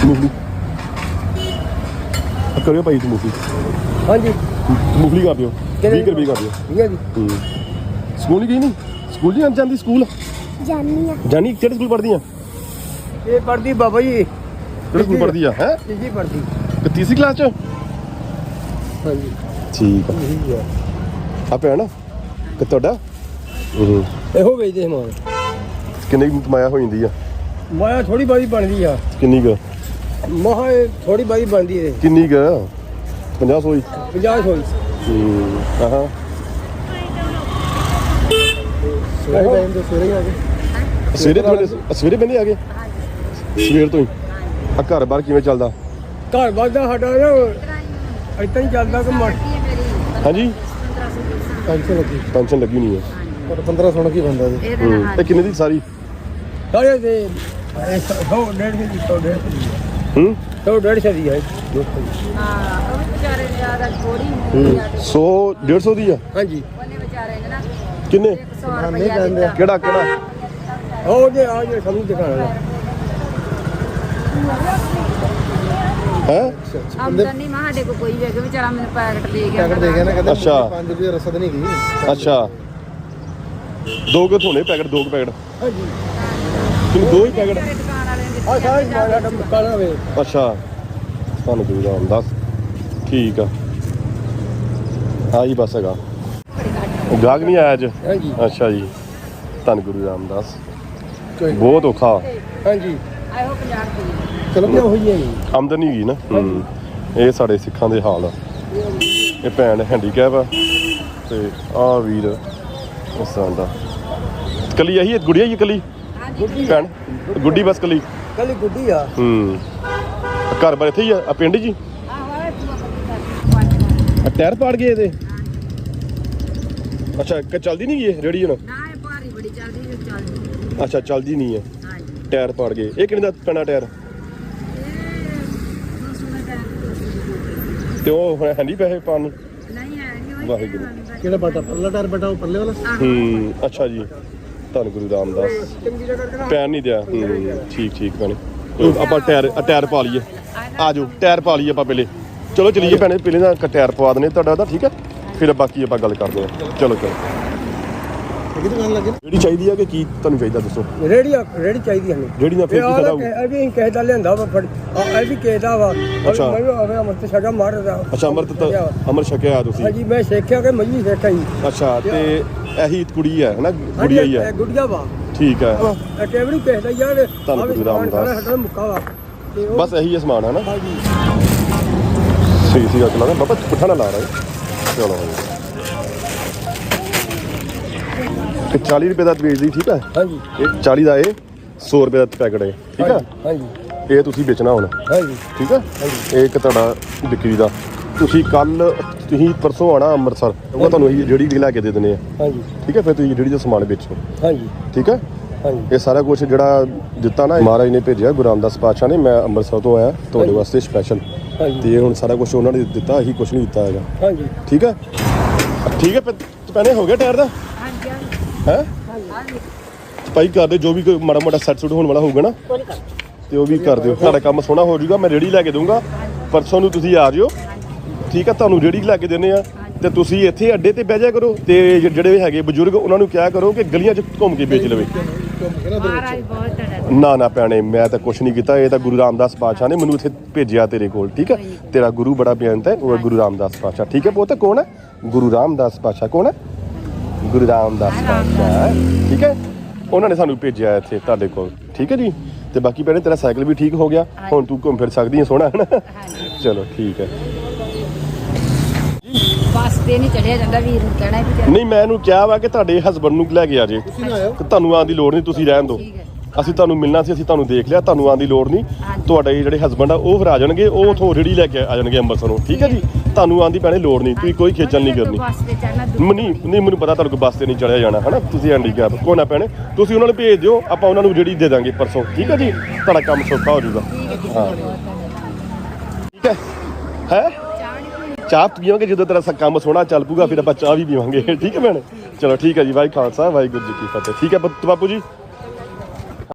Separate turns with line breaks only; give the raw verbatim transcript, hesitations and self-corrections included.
मूंगफली करियो भाई तू मूंगफली
हाँ जी
मूंगफली कर दियो बीस रुपये कर दियो
ठीक है जी
स्कूल ही गई नहीं स्कूल नहीं जाती स्कूल
जानी
जानी किहड़े स्कूल पढ़दी
ये पढ़ती बाबा जी
किहड़े स्कूल पढ़दी है
जी पढ़ती
तीसरी क्लास च
हाँ जी
ठीक है आ भैन कि तुहाडा
ਇਹੋ ਵੇਚਦੇ ਸਮਾਨ
किन्नी कमाया हो जाती है
ਮਾਇਆ ਥੋੜੀ ਬਾਦੀ ਬਣਦੀ ਆ
किन्नी क
ਮਹਾ ਥੋੜੀ ਬਾਦੀ ਬਣਦੀ ਏ
किन्नी क पचास सौ
ਪੰਜਾਹ ਹੋਈ
हाँ
ਸਵੇਰੇ ਟਾਈਮ ਤੇ ਸਵੇਰੇ ਆ ਗਏ
ਸਵੇਰੇ ਤੁਹਾਡੇ ਸਵੇਰੇ ਬੰਦੇ ਆ ਗਏ ਸਵੇਰ ਤੋਂ ਹੀ ਆ ਘਰ ਬਾਹਰ ਕਿਵੇਂ ਚੱਲਦਾ
ਘਰ ਵਾਦਾ ਸਾਡਾ ਨਾ ਇਤਾਂ ਹੀ ਚੱਲਦਾ ਕਿ ਮਰ
ਹਾਂਜੀ
ਪੈਨਸ਼ਨ ਲੱਗੀ
ਪੈਨਸ਼ਨ ਲੱਗੀ ਨਹੀਂ ਹੈ
ਪਰ ਪੰਦਰਾਂ ਸੌ ਕੀ ਬੰਦਾ ਜੀ
ਇਹ ਕਿੰਨੇ ਦੀ ਸਾਰੀ
ਸਾਰੇ ਦੇ ਸੌ ਡੇਢ ਦੀ ਸੌ ਡੇਢ
ਹੂੰ
ਸੌ ਡੇਢ ਦੀ ਹੈ
ਹਾਂ ਉਹ ਵੀ ਵਿਚਾਰੇ ਨੇ ਆਦਾ ਥੋੜੀ ਹੁੰਦੀ ਆ
ਸੌ ਡੇਢ ਸੌ ਦੀ ਆ
ਹਾਂਜੀ
ਉਹਨੇ ਵਿਚਾਰੇ ਨੇ ਨਾ
ਕਿੰਨੇ
ਸੌ ਰੁਪਇਆ ਦਿੱਤਾ
ਕਿਹੜਾ ਕਿਹੜਾ
ਉਹ ਜੇ ਆ ਜੇ ਸਾਨੂੰ ਦਿਖਾਣਾ
ਹੈ
ਆਮਦਨੀ ਮਾ ਸਾਡੇ ਕੋ ਕੋਈ ਵੀ ਹੈਗਾ ਵਿਚਾਰਾ ਮੈਨੂੰ ਪੈਕਟ ਦੇ ਗਿਆ
ਪੈਕਟ ਦੇ ਗਿਆ ਨਾ ਕਹਿੰਦੇ
ਅੱਛਾ
ਪੰਜ ਰੁਪਏ ਰਸਦ ਨਹੀਂ ਗਈ
ਅੱਛਾ ਦੋ ਕੁ ਧੋਣੇ ਪੈਕਟ ਦੋ ਕੁ ਪੈਕਟ
ਹਾਂਜੀ
ਕਿੰਨੇ ਦੋ ਹੀ ਪੈਕਟ
ਦੁਕਾਨ ਵਾਲੇ ਨੇ
ਆ ਸਾਰੇ ਸਾਡਾ ਮੁਕਾਣਾ ਵੇ
ਅੱਛਾ ਤੁਹਾਨੂੰ ਕੋਈ ਰਾਮ ਦੱਸ ਠੀਕ ਆ ਹਾਂ ਜੀ ਬਸ ਹੈਗਾ ਉਹ ਗਾਹਕ ਨਹੀਂ ਆਇਆ ਅੱਜ
ਹਾਂਜੀ
ਅੱਛਾ ਜੀ ਧੰਨ ਗੁਰੂ ਰਾਮਦਾਸ
ਕੋਈ
ਬਹੁਤ ਔਖਾ
ਹਾਂਜੀ
ਆਇਓ ਪੰਜਾਹ ਰੁਪਏ
ਚਲੋ ਕਿਉਂ ਹੋਈ ਹੈ ਜੀ
ਆਮਦਨੀ ਹੈਗੀ ਨਾ ਹੂੰ ਇਹ ਸਾਡੇ ਸਿੱਖਾਂ ਦੇ ਹਾਲ ਆ ਇਹ ਭੈਣ ਹੈਂਡੀਕੈਪ ਆ ਤੇ ਆਹ ਵੀਰ ਇਸ ਤਰ੍ਹਾਂ ਦਾ ਕੱਲੀ ਆਹੀ ਗੁੜੀਆ ਹੀ ਕੱਲੀ ਭੈਣ ਗੁੱਡੀ ਬਸ ਕੱਲੀ
ਕੱਲ ਗੁੱਡੀ ਆ
ਹੂੰ ਘਰ ਬਾਰ ਇੱਥੇ ਹੀ ਆ ਆ ਪਿੰਡ ਜੀ
ਆਹ ਵਾਲੇ ਤੂੰ
ਆ ਟਾਇਰ ਪਾੜ ਗਏ ਇਹਦੇ ਅੱਛਾ ਕਿ ਚੱਲਦੀ ਨਹੀਂ ਇਹ ਰੇੜੀ ਹੁਣ
ਨਾ ਇਹ ਭਾਰੀ ਬੜੀ ਚੱਲਦੀ ਜੋ ਚੱਲਦੀ
ਅੱਛਾ ਚੱਲਦੀ ਨਹੀਂ ਹੈ
ਹਾਂਜੀ
ਟਾਇਰ ਪਾੜ ਗਏ ਇਹ ਕਿੰਨੇ ਦਾ ਪੈਣਾ ਟਾਇਰ
ਇਹ ਦੋ ਸੌ ਦਾ ਟਾਈਮ
ਤੇ ਉਹ ਹੁਣ ਹੈ ਨਹੀਂ ਪੈਸੇ ਪਾਉਣ ਨੂੰ
ਨਹੀਂ ਹੈ ਨਹੀਂ ਉਹ
ਵਾਹਿਗੁਰੂ।
ਕਿਹੜਾ ਬਟਾ ਪਰਲਾ ਟਾਇਰ ਬਟਾ ਉਹ ਪਰਲੇ ਵਾਲਾ
ਹੂੰ ਅੱਛਾ ਜੀ ਧੰਨ ਗੁਰੂ ਰਾਮਦਾਸ
ਚੰਗੀ ਜਗ੍ਹਾ ਕਰਕੇ
ਪੈਰ ਨਹੀਂ ਦਿਆ ਹੂੰ ਠੀਕ ਠੀਕ ਭੈਣੇ ਚਲੋ ਆਪਾਂ ਟਾਇਰ ਆ ਟਾਇਰ ਪਾ ਲਈਏ ਆ ਜਾਓ ਟਾਇਰ ਪਾ ਲਈਏ ਆਪਾਂ ਪਹਿਲੇ ਚਲੋ ਚਲੀਏ ਭੈਣੇ ਪਹਿਲੇ ਦਾ ਟਾਇਰ ਪਵਾ ਦਨੇ ਤੁਹਾਡਾ ਤਾਂ ਠੀਕ ਹੈ ਫਿਰ ਬਾਕੀ ਆਪਾਂ ਗੱਲ ਕਰਦੇ ਹਾਂ ਚਲੋ ਚਲੋ
ਕਿਹਦੀ ਦੁਕਾਨ ਲੱਗੇ
ਜਿਹੜੀ ਚਾਹੀਦੀ ਆ ਕਿ ਕੀ ਤੁਹਾਨੂੰ ਚਾਹੀਦਾ ਦੱਸੋ
ਰੇੜੀ ਰੇੜੀ ਚਾਹੀਦੀ ਸਾਨੂੰ
ਜਿਹੜੀ ਨਾ ਫਿਰ ਕੀ ਫਾਇਦਾ ਹੋਊ
ਇਹ ਵੀ ਕਿਸੇ ਦਾ ਲਿਆਂਦਾ ਵਾ ਫੜ ਇਹ ਵੀ ਕਿਸੇ ਦਾ ਵਾ
ਅੱਛਾ।
ਮੈਂ ਵੀ ਆਵੇ ਅਮਰਤ ਛਕਾ ਮਾਰਦਾ
ਅੱਛਾ ਅਮਰਤ ਤਾਂ ਅਮਰ ਛਕਿਆ ਤੁਸੀਂ
ਹਾਂਜੀ ਮੈਂ ਸਿੱਖਿਆ ਕਿ ਮੈਂ ਵੀ ਸਿੱਖਿਆ ਜੀ
ਅੱਛਾ ਤੇ ਇਹੀ ਕੁੜੀ ਹੈ ਨਾ ਗੁੜੀਆ ਹੀ ਹੈ
ਗੁੜੀਆ ਵਾ
ਠੀਕ ਹੈ
ਇਹ ਟੇਬੜੀ ਕਿਸੇ ਦਾ ਯਾਰ
ਧੰਨ ਗੁਰੂ ਰਾਮਦਾਸ।
ਸਾਡਾ ਮੁੱਕਾ ਵਾ ਤੇ ਉਹ
ਬਸ ਇਹੀ ਹੈ ਸਮਾਨ ਹੈ ਨਾ
ਹਾਂਜੀ
ਸਹੀ ਸੀ ਚਲਾ ਬਾਬਾ ਪੁੱਠਾ ਨਾ ਲਾ ਰਿਹਾ ਚਲੋ ਤੇ ਚਾਲੀ ਰੁਪਏ ਦਾ ਵੇਚਦੀ ਠੀਕ ਹੈ
ਹਾਂਜੀ
ਇਹ ਚਾਲੀ ਦਾ ਇਹ ਸੌ ਰੁਪਏ ਦਾ ਪੈਕਟ ਹੈ ਠੀਕ ਹੈ
ਹਾਂਜੀ
ਇਹ ਤੁਸੀਂ ਵੇਚਣਾ ਹੁਣ
ਹਾਂਜੀ
ਠੀਕ ਹੈ ਇਹ ਇੱਕ ਤੁਹਾਡਾ ਵਿਕਰੀ ਦਾ ਤੁਸੀਂ ਕੱਲ ਤੁਸੀਂ ਪਰਸੋਂ ਆਣਾ ਅੰਮ੍ਰਿਤਸਰ ਉਹ ਤੁਹਾਨੂੰ ਅਸੀਂ ਜਿਹੜੀ ਲੈ ਕੇ ਦੇ ਦਿੰਦੇ ਆ
ਹਾਂਜੀ
ਠੀਕ ਹੈ ਫਿਰ ਤੁਸੀਂ ਜਿਹੜੀ ਦਾ ਸਮਾਨ ਵੇਚੋ
ਹਾਂਜੀ
ਠੀਕ ਹੈ
ਹਾਂਜੀ
ਇਹ ਸਾਰਾ ਕੁਝ ਜਿਹੜਾ ਦਿੱਤਾ ਨਾ ਮਹਾਰਾਜ ਨੇ ਭੇਜਿਆ ਗੁਰੂ ਰਾਮਦਾਸ ਪਾਤਸ਼ਾਹ ਨੇ ਮੈਂ ਅੰਮ੍ਰਿਤਸਰ ਤੋਂ ਆਇਆ ਤੁਹਾਡੇ ਵਾਸਤੇ ਸਪੈਸ਼ਲ
ਹਾਂਜੀ
ਤੇ ਹੁਣ ਸਾਰਾ ਕੁਝ ਉਹਨਾਂ ਨੇ ਦਿੱਤਾ ਅਸੀਂ ਕੁਝ ਨਹੀਂ ਦਿੱਤਾ ਹੈਗਾ
ਹਾਂਜੀ
ਠੀਕ ਹੈ ਠੀਕ ਹੈ ਪੈਨੇ ਹੋ ਗਿਆ ਟਾਇਰ ਦਾ
ਹਾਂਜੀ
ਹੈ
ਹਾਂਜੀ
ਭਾਈ ਕਰਦੇ ਜੋ ਵੀ ਕੋਈ ਮਾੜਾ ਮੋਟਾ ਸੈੱਟ ਸੁੱਟ ਹੋਣ ਵਾਲਾ ਹੋਊਗਾ ਨਾ
ਕੋਈ ਕਰ
ਤੇ ਉਹ ਵੀ ਕਰ ਦਿਓ ਤੁਹਾਡਾ ਕੰਮ ਸੋਹਣਾ ਹੋ ਜਾਊਗਾ ਮੈਂ ਰੇੜੀ ਲੈ ਕੇ ਦਊਂਗਾ ਪਰਸੋਂ ਨੂੰ ਤੁਸੀਂ ਆ ਜਿਓ ਠੀਕ ਹੈ ਤੁਹਾਨੂੰ ਰੇੜੀ ਲੈ ਕੇ ਦਿੰਦੇ ਆ ਤੇ ਤੁਸੀਂ ਇੱਥੇ ਅੱਡੇ ਤੇ ਬਹਿ ਜਾ ਕਰੋ ਤੇ ਜਿਹੜੇ ਹੈਗੇ ਬਜ਼ੁਰਗ ਉਹਨਾਂ ਨੂੰ ਕਿਹਾ ਕਰੋ ਕਿ ਗਲੀਆਂ 'ਚ ਘੁੰਮ ਕੇ ਵੇਚ ਲਵੇ
ਮਹਾਰਾਜ ਬਹੁਤ ਤੜਾ
ਨਾ ਨਾ ਭੈਣੇ ਮੈਂ ਤਾਂ ਕੁਛ ਨਹੀਂ ਕੀਤਾ ਇਹ ਤਾਂ ਗੁਰੂ ਰਾਮਦਾਸ ਪਾਤਸ਼ਾਹ ਨੇ ਮੈਨੂੰ ਇੱਥੇ ਭੇਜਿਆ ਤੇਰੇ ਕੋਲ ਠੀਕ ਹੈ ਤੇਰਾ ਗੁਰੂ ਬੜਾ ਬੇਅੰਤ ਹੈ ਉਹ ਹੈ ਗੁਰੂ ਰਾਮਦਾਸ ਪਾਤਸ਼ਾਹ ਠੀਕ ਹੈ ਪੁੱਤ ਕੌਣ ਹੈ ਗੁਰੂ ਰਾਮਦਾਸ ਪਾਤਸ਼ਾਹ ਕੌਣ ਹੈ ਗੁਰੂ ਰਾਮਦਾਸ ਪਾਤਸ਼ਾਹ ਠੀਕ ਹੈ ਉਹਨਾਂ ਨੇ ਸਾਨੂੰ ਭੇਜਿਆ ਇੱਥੇ ਤੁਹਾਡੇ ਕੋਲ ਠੀਕ ਹੈ ਜੀ ਤੇ ਬਾਕੀ ਭੈਣੇ ਤੇਰਾ ਸਾਈਕਲ ਵੀ ਠੀਕ ਹੋ ਗਿਆ ਹੁਣ ਤੂੰ ਘੁੰਮ ਫਿਰ ਸਕਦੀ ਹੈ ਸੋਹਣਾ ਹੈ ਨਾ ਚਲੋ ਠੀਕ ਹੈ
ਬਸ ਤੇ ਨਹੀਂ ਚੜਿਆ ਜਾਂਦਾ ਵੀਰ ਨੂੰ ਕਹਿਣਾ ਵੀ
ਨਹੀਂ ਮੈਂ ਇਹਨੂੰ ਕਿਹਾ ਵਾ ਕਿ ਤੁਹਾਡੇ ਹਸਬੰਡ ਨੂੰ ਲੈ ਕੇ ਆ ਜੇ ਤੁਹਾਨੂੰ ਆਉਣ ਦੀ ਲੋੜ ਨਹੀਂ ਤੁਸੀਂ ਰਹਿਣ ਦਿਓ
ਠੀਕ ਹੈ
ਅਸੀਂ ਤੁਹਾਨੂੰ ਮਿਲਣਾ ਸੀ ਅਸੀਂ ਤੁਹਾਨੂੰ ਦੇਖ ਲਿਆ ਤੁਹਾਨੂੰ ਆਉਣ ਦੀ ਲੋੜ ਨਹੀਂ ਤੁਹਾਡੇ ਜਿਹੜੇ ਹਸਬੰਡ ਆ ਉਹ ਫਿਰ ਆ ਜਾਣਗੇ ਉਹ ਉਥੋਂ ਰੇੜੀ ਲੈ ਕੇ ਆ ਜਾਣਗੇ ਅੰਮ੍ਰਿਤਸਰੋਂ ਠੀਕ ਹੈ ਜੀ ਤੁਹਾਨੂੰ ਆਉਣ ਦੀ ਪੈਣੇ ਲੋੜ ਨਹੀਂ ਤੁਸੀਂ ਕੋਈ ਖੇਚਲ ਨਹੀਂ ਕਰਨੀ
ਬਸ ਤੇ ਚੜਨਾ
ਨਹੀਂ ਨਹੀਂ ਮੈਨੂੰ ਪਤਾ ਤੁਹਾਨੂੰ ਕੋਈ ਬੱਸ ਤੇ ਨਹੀਂ ਚੜਿਆ ਜਾਣਾ ਹਨਾ ਤੁਸੀਂ ਹੈਂਡੀਕੈਪ ਕੋਈ ਨਾ ਪੈਣੇ ਤੁਸੀਂ ਉਹਨਾਂ ਨੂੰ ਭੇਜ ਦਿਓ ਆਪਾਂ ਉਹਨਾਂ ਨੂੰ ਰੇੜੀ ਦੇ ਦਾਂਗੇ ਪਰਸੋਂ ਠੀਕ ਹੈ ਜੀ ਤੁਹਾਡਾ ਕੰਮ ਸੌਖਾ ਹੋ ਜਾਊਗਾ ਹਾਂ ਠੀਕ ਹੈ ਹੈ ਚਾਹ ਪੀਵਾਂਗੇ ਜਦੋਂ ਤੇਰਾ ਕੰਮ ਸੋਹਣਾ ਚੱਲ ਪੂਗਾ ਫਿਰ ਆਪਾਂ ਚਾਹ ਵੀ ਪੀਵਾਂਗੇ ਠੀਕ ਹੈ ਭੈਣੇ ਚਲੋ ਠੀਕ ਹੈ ਜੀ ਵਾਹਿਗੁਰੂ ਖਾਲਸਾ ਵਾਹਿਗੁਰੂ ਜੀ ਕੀ ਫਤਿਹ ਠੀਕ ਹੈ ਬਾਪੂ ਜੀ